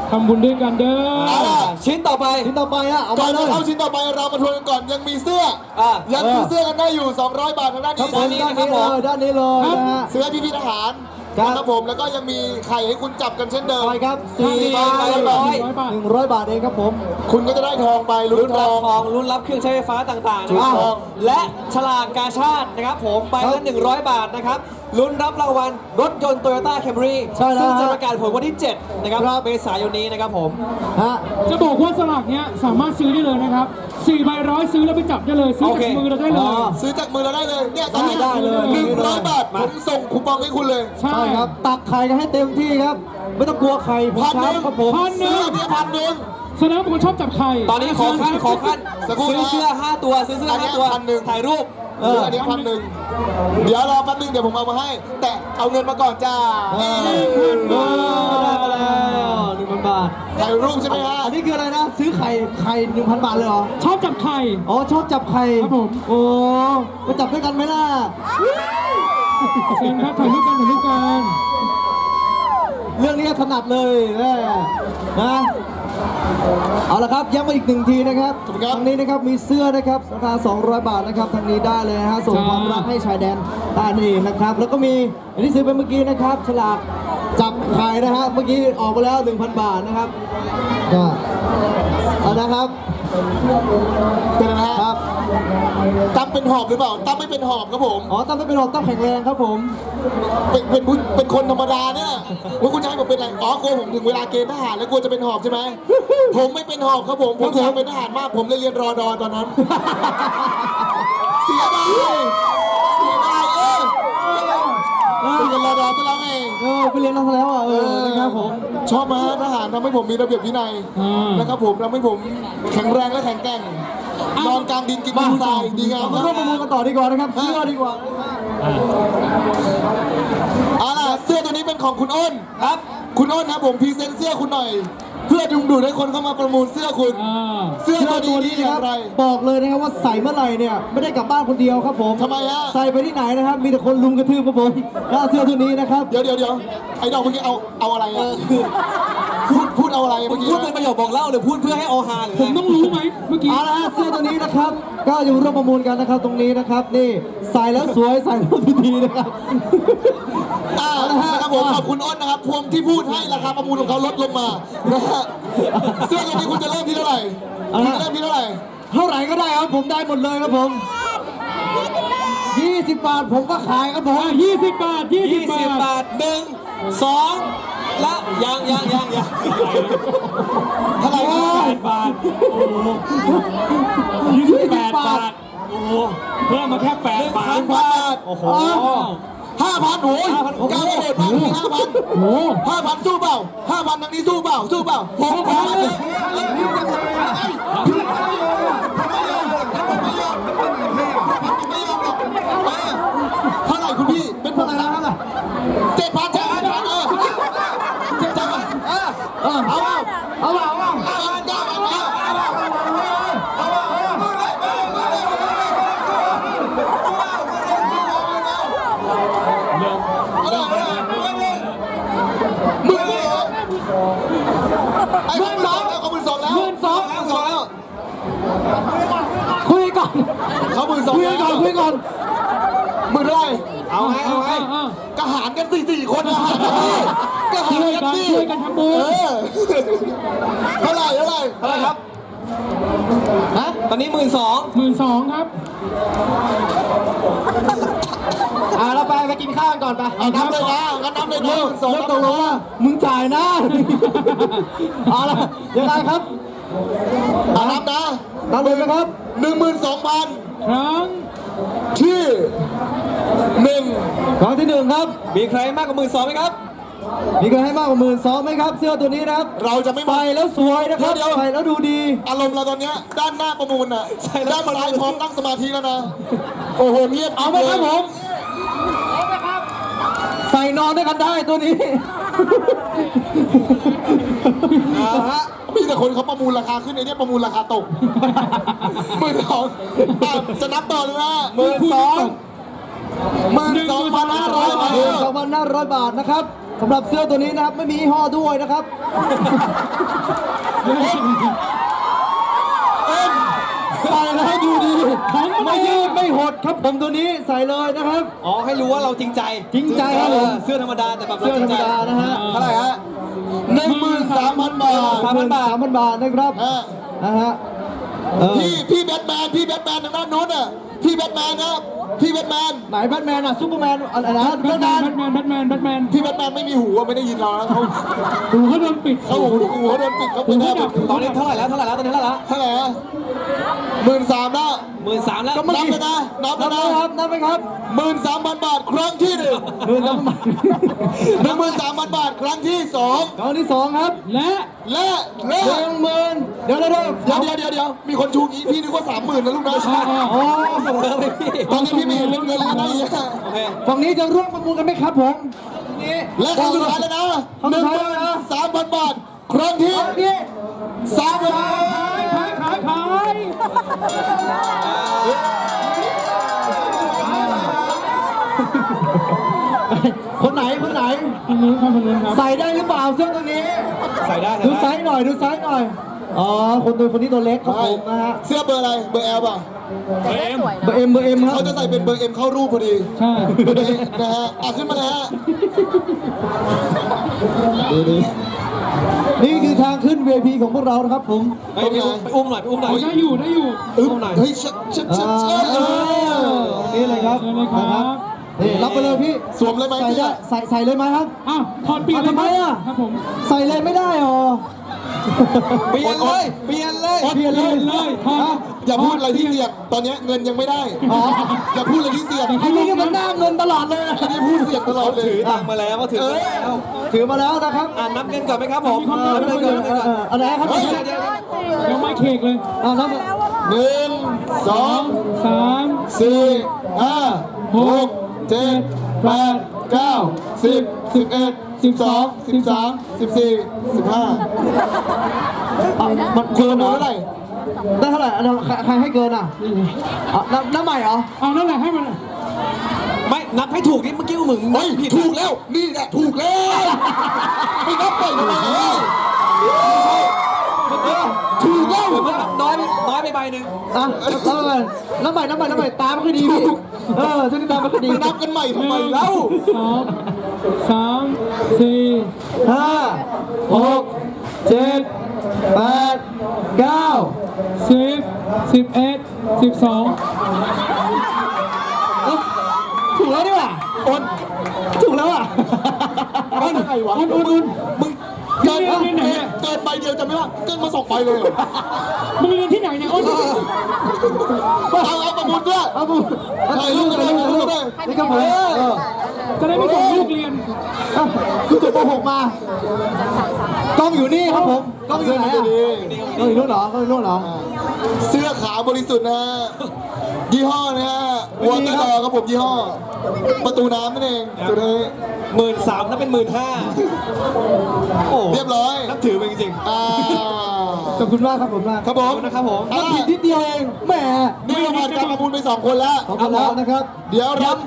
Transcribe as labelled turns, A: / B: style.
A: ทำบุญด้วยกันเด้อ
B: ชิ้นต่อไป
C: อะเอา
D: ก่
C: มา
D: อน
C: เล
D: จะ
C: ย
D: เข้าชิ้นต่อไปเรามาทวนกันก่อนยังมีเสื้อยังซื้อเสื้อกันได้อยู่200 บาททางด้าน
C: ครับผม
D: นี้
C: ด้านนี้เลยด้านนี้เลยนะฮะ
D: เสื้อพี่ทหารนะครับผมแล้วก็ยังมีไข่ให้คุณจับกันเช่นเดิม
C: ใช่ครับ
B: 400
C: บาท100 บาทเองครับผม
D: คุณก็จะได้ทองไปลุ้
B: รุ่
D: น
B: น
D: ท
B: รับ
D: อง
B: ทองรุ่นรับเครื่องใช้ไฟฟ้าต่างๆนะครับ
C: ถูกต้อง
B: และฉลากกาชาตินะครับผมใบละ100 บาทนะครับลุ้นรับรางวัลรถยนต์ Toyota Camry
C: ใช่แล้ว
B: ซึ่งจะประกาศผลวันที่ 7 นะครับเมษายนนี้นะครับผม
C: ฮะ
A: จะบอกว่าสลากเนี้ยสามารถซื้อได้เลยนะครับ4 ใบร้อยซื้อแล้วไปจับได้เลยซื้อจากมือเราได้เลย
D: ซื้อจากมือเราได้เลยเนี่ยตอนนี้
C: ได้เลย
D: 100 บาทผมส่งคูปองให้คุณเลย
A: ใช่
C: ใช่ครับตักไข่กันให้เต็มที่ครับ ไม่ต้องกลัวไข่ผม
D: 1,000
C: ครับผม
A: พันหนึ่
D: เสื้อง เนี่ย1,000
A: แสดงว่าเป็นคนชอบจับไข่
B: ตอนนี้ขอขั้น
D: สักครู่
B: ซื้อ
D: นะ
B: เสื้อ 5 ตัวซื้อเสื้อ 5 ตัว
D: อันเนี้ย1,000
B: ถ่ายรูป
D: เสื้ออันนี้1,000เดี๋ยวรอแป๊บนึงเดี๋ยวผมเอามาให้ แต่เอาเงินมาก่อนจ้า
C: ได้มาแล้ว1,000 บาท
D: ถ่ายรูปใช่ไหมฮะ
C: อันนี้คืออะไรนะ ซื้อไข่ 1,000 บาทเลยเหรอ
A: ชอบจับไข่
C: อ๋อ ชอบจับไข่
A: ครับผม
C: โอ้ไปจับด้วยกันไหมล่ะ
A: เชิญครับถ่ายรูปกันถ่ายรูปกัน
C: เรื่องนี้ถนัดเลยนะเอาละครับย้ำมาอีก1 ทีนะครับทางนี้นะครับมีเสื้อนะครับราคา200 บาทนะครับทางนี้ได้เลยนะฮะส่งความรักให้ชายแดนใต้นั่นเองนะครับแล้วก็มีอันที่ซื้อไปเมื่อกี้นะครับฉลากจับไข่นะฮะเมื่อกี้ออกไปแล้ว 1,000 บาทนะครับก็เอานะครับ
D: เป็นนะฮะ
C: ครับ
D: ตั้มเป็นหอบหรือเปล่าตั้มไม่เป็นหอบครับผม
C: อ๋อตั้มไม่เป็นหรอกตั้มแข็งแรงครับผม
D: เป็นคนธรรมดาเนี่ยว่าคุณจะให้ผมเป็นอะไรอ๋อกลัวผมถึงเวลาเกณฑ์ทหารแล้วกลัวจะเป็นหอบใช่ไหมผมไม่เป็นหอบครับผมอยากเป็นทหารมากผมเลยเรียนรอดอตอนนั้น เสียดายเรียนรอดอซะแล้วไง
C: ไปเรียนแล้วแล้วอ่ะนะครับผม
D: ชอบมาทหารทำให้ผมมีระเบียบวินัยนะครับผมทำให้ผมแข็งแรงและแข็งแกร่งนอนกลางดินกินดินทรายดีงาม
C: มาร่วมประมูลกันต่อดีกว่านะครับเสื้อดีกว่า
D: เอาล่ะเสื้อตัวนี้เป็นของคุณอ้น
B: ครับ
D: คุณอ้นครับผมพรีเซนต์เสื้อคุณหน่อย เพื่อดึงดูดให้คนเข้ามาประมูลเสื้อคุณ เสื้อ
C: เสื้อ
D: ตั
C: ตัว ว
D: นี้
C: นี้
D: อ
C: นะค
D: ย่า
C: รับ
D: งไร
C: บอกเลยนะครับว่าใส่เมื่อไหร่เนี่ยไม่ได้กลับบ้านคนเดียวครับผม
D: ทำไมฮะ
C: ใส่ไปที่ไหนนะครับ มีแต่คนลุมกระทืบครับผมแล้วเสื้อตัวนี้นะครับ
D: เดี๋ยวไอ้ดอกเมื่อกี้เอาอะไรอ่ะพูดเอาอะไรเมื่อกี้
B: พูดเป็นประโยคบอกเล่าหรือพูดเพื่อให้โอฮาหรือ
A: ผมต้องรู้ไหมเมื่อกี้
C: เอาละฮะเสื้อตัวนี้นะครับ ก็อยู่ร่วมประมูลกันนะครับตรงนี้นะครับนี่ใส่แล้วสวยใส่แล้วดีๆนะครับ
D: นะครับผมขอบคุณอ้นนะครับพวงที่พูดให้ราคาประมูลของเขาลดลงมานะฮะเสื้อตัวนี้คุณจะเริ่มที่เท่าไหร่คุณจะเริ่มที่เท่าไหร่
C: เท่าไหร่ก็ได้ครับผมได้หมดเลยครับผม20 บาทผมก็ขายครับผม
A: 20 บาท 20
B: 20
A: บาท
B: บาท 1 2 และยัง
D: เท่าไหร่ครับ
A: 8 บาท โอ้โห28 บาท โอ้โหเพิ่มมาแค่ 8 บาท
D: 1,000 บาท
B: โอ้โห
D: 5,000โอ้ยก้าวกระโดดมากเลย5,000
A: โอ้โห
D: 5,000สู้เปล่า5,000ทางนี้สู้เปล่า6,000เลยเท่าไหร่คุณพี่เป็นผมนะ7,000จังเอาไอ้คนสองแล้วเขา12,000แล้ว
C: คุยก่อน
D: เขา12,000
C: คุยก่อนคุยก่อน
D: มือได้
B: เอาไง
D: กระหารกัน4 คนนะกระหารกันดิ
A: ช่วยกันทำบุญ
D: เท่าไหร่
B: ครับฮะตอนนี้
A: 12,000 ครับ
C: เราไปกินข้าวกันก่อนไป
D: เอานับเลยนะงั้นนับเลยนะ
C: 12,000แล้วตกลงว่ามึงจ่ายนะเอาละยังไงครับ
D: นับนะ
C: ตามเลยนะครับ
D: 12,000
A: ครั้ง
D: ที่
C: ครั้งที่1ครับ
B: มีใครมากกว่า 12,000ไหมครับ
C: มีใครให้มากกว่า12,000ไหมครับ เสื้อตัวนี้นะครับ
D: เราจะไม่
C: ใส่แล้วสวยนะครับ ใส่แล้วดูดี
D: อารมณ์เราตอนเนี้ยด้านหน้าประมูลน่ะด้านซ้ายพร้อมตั้งสมาธิแล้วนะโอ้โหเงียบ
C: เอาไหมครับผมใส่นอนด้วยกันได้ตัวนี้
D: มีแต่คนเขาประมูลราคาขึ้นไอ้เนี่ยประมูลราคาตก12,000จะนับต่อเลยนะ12,500 บาท
C: 12,500 บาทนะครับสำหรับเสื้อตัวนี้นะครับไม่มียี่ห้อด้วยนะครับ ใส่แล้วให้ดูดีไม่ยืดไม่หดครับผมตัวนี้ใส่เลยนะครับ
B: อ๋อให้รู้ว่าเราจริงใจ
C: จริงใจครับผม
B: เสื้อธรรมดาแต่แบบ
C: เสื้อธรรมดานะฮะ
D: เท่าไหร่ฮะ13,000 บาท
C: 3,000 บาทนะครับ
D: ฮะ
C: นะฮะ
D: พี่แบทแมนทางด้านนู้นอ่ะพี่แบทแมนนะครับพี่แบทแมน
C: ไหนแบทแมนอ่ะซูเปอร์แมนอะไรนะแบทแมน
D: พี่แบทแมนไม่มีหูอะไม่ได้ยินเราแล้วเขา
A: หูเขาโดนปิด
D: เขาหูโดนปิดเขาไม่ได้
B: ตอนนี้เท่าไหร่แล้วตอนนี้เท่าไหร่แล้ว
D: เท่าไหร่ฮะ13,000แล้ว
B: 13,000แล้ว
D: นับเลยนะนับ
C: นั
D: เล
C: บ
D: ย
C: ไหม
D: นะครับ
C: นับไหมครับ
D: 13,000 บาทครั้งที่หนึ่ง 13,000 บาทครั้งที่สอง
C: ครั้งที่ 2 ครับ
A: และ
D: และ
C: 10,000เดี๋ยว
D: เดี๋ยวมีคนชูงี้พี่นึกว่า 30,000นะลูกนะ
C: อ๋อ
B: ส่งเบอร์ไปพี่
D: ตอนนี้พี่ไม่เห็นเป็นเงินเลยนะ
B: โอเค
C: ฝั่งนี้จะร่วมประมูลกันไหมครับผมนี่
D: และครั้งสุดท้ายแล้วนะ
C: ครั้งสุดท้ายแล้วนะ
D: 13,000 บาทครั้งที่
C: นี่
D: 3,000
A: ขาย
C: คนไหน
A: คนนู้นครับ
C: ใส่ได้หรือเปล่าเสื้อตัวนี้
B: ใส่ได้
C: ดูไซส์หน่อยดูไซส์หน่อยอ๋อคนนี้ตัวเล็กครับผมนะฮะ
D: เสื้อเบอร์อะไรเบอร์ L ป่ะ
C: เบอร์เอ็มครับ
D: เขาจะใส่เป็นเบอร์ M เข้ารูปพอดี
A: ใช่
D: นะฮะขึ้นมาเลยฮะดี
C: นี่คือทางขึ้น VIP ของพวกเรานะครับผม
B: ไปอุ้มหน่อย
A: ได้อยู่
D: อึ๊บเฮ้ยชัด
C: นี่เลยครับ
A: เชิญเลยครับ
C: นะครับนี่รับไปเลยพี่
D: สวมเลยไหม
C: ใส่
D: พี่
C: ได้ใส่เลยไหมครับ
A: อ้าวถอดเปลี่ยน
C: ทำไมอ่ะ
A: ครับผม
C: ใส่เลยไม่ได้หรอ
B: เปลี่ยนเลย
C: เปลี่ยน
A: เปลี่ยนเลยถอด
D: อย่าพูดอะไรที่เสี่ยงตอนนี้เงินยังไม่ได้
C: อ๋อ
D: อย่าพูดอะไรที่เสี่ยง
C: อันนี้ก็มันหน้าเงินตลอดเลย
D: อันนี้พูดเสี่ยงตลอดเลย
B: ถือตังค์มาแล้วก็ถือมาแล้ว
C: ถือมาแล้วนะครับ
B: นับเงินก่อนไหมครับผม
C: นับเงินก่อนอะไรครับ
D: เฮ้ย
A: ยังไม่เค้กเลย
C: นับ
D: 1 2
A: 3
D: 4 5 6 7 8 9 10 11 12 13 14 15
C: มัน
D: คุ
C: เกิ
D: ณ
C: นเหร
D: รู้
C: อ
D: เท่าไหร่
C: ได้เท่าไหร่ใครให้เกินอ่ะน้ำใหม่เหรอ
A: เอานั่นแหละให้มัน
B: ไม่นับให้ถูกนี่เมื่อกี้มึง
D: เฮ้ย
B: ผิด
D: ถูกแล้วนี่แหละถูกแล้วไม่นับไปทำไมถูกแล้ว
B: มันน้อยไปใบหนึ่ง
C: อ่ะน้ำใหม่ตามไม่ค่อยดีพี่ช่วงนี้ตามไม่ค่อยดี
D: มานับกันใหม่ทำไมเล่า
A: 2 3 4
C: 5 6 7 8 9
A: 10 11 12
C: ถูกแล้วดีกว่าถูกแล้วอ่ะ
D: อ้นไงวะ
A: อุ่น
D: มึงเกิน
A: เรียนไหนเนี่ย
D: เกินใบเดียวจะไม่ว่าเกินมา2ใบเลยเหรอ
A: มึงเรียนที่ไหนเนี่ยอ้น
D: เอาประมูลด้วย
C: เอาบุ
D: ถ่ายรูปกันเลยถ่ายรูปกันเลย
C: นี่ครับผม
A: จะได้ไม่ส่งลูกเรียน
C: คือจบป .6 มากล้องอยู่นี่ครับผมกล้องอยู่ไหนอ่ะกล้องอยู่นู่นเหรอกล้องอยู่นู่นเหรอ
D: เสื้อขาวบริสุทธิ์นะฮะยี่ห้อนะฮะวอเตอร์ดอครับผมยี่ห้อ ประตูน้ำนั่นเองตัวนี้
B: 13,000นั่นเป็น15,000โอ้
D: เรียบร้อย
B: นับถือมันจริง
C: ขอบคุณมากครับผมมาก
D: ครับผม
B: นะครับผม
C: นับผิดนิดเดียวเองแหม
D: นี่เราผ่านการประมูลไป2 คนแล้ว
C: ขอบคุณแล้วนะครับ
D: เดี๋ยวรับ